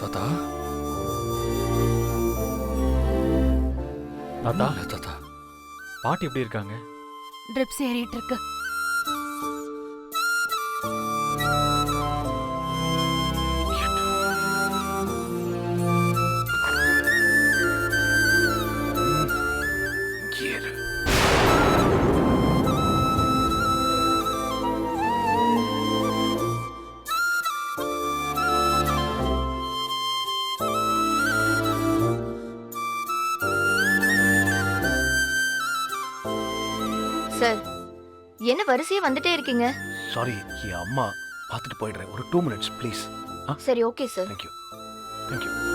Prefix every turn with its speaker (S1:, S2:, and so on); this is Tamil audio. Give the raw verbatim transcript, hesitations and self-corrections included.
S1: தாத்தா
S2: தாத்தா
S1: இல்ல தாத்தா
S2: பாட்டி எப்படி இருக்காங்க?
S3: ட்ரிப்ஸ் ஏறிட்டு இருக்கு.
S1: ஏறு.
S4: சார், என்ன வரிசையா வந்துட்டே இருக்கீங்க?
S1: சாரி என் அம்மா பார்த்துட்டு போயிடுறேன் ஒரு டூ மினிட்ஸ் ப்ளீஸ்.
S4: சரி, ஓகே சார்.
S1: Thank you thank you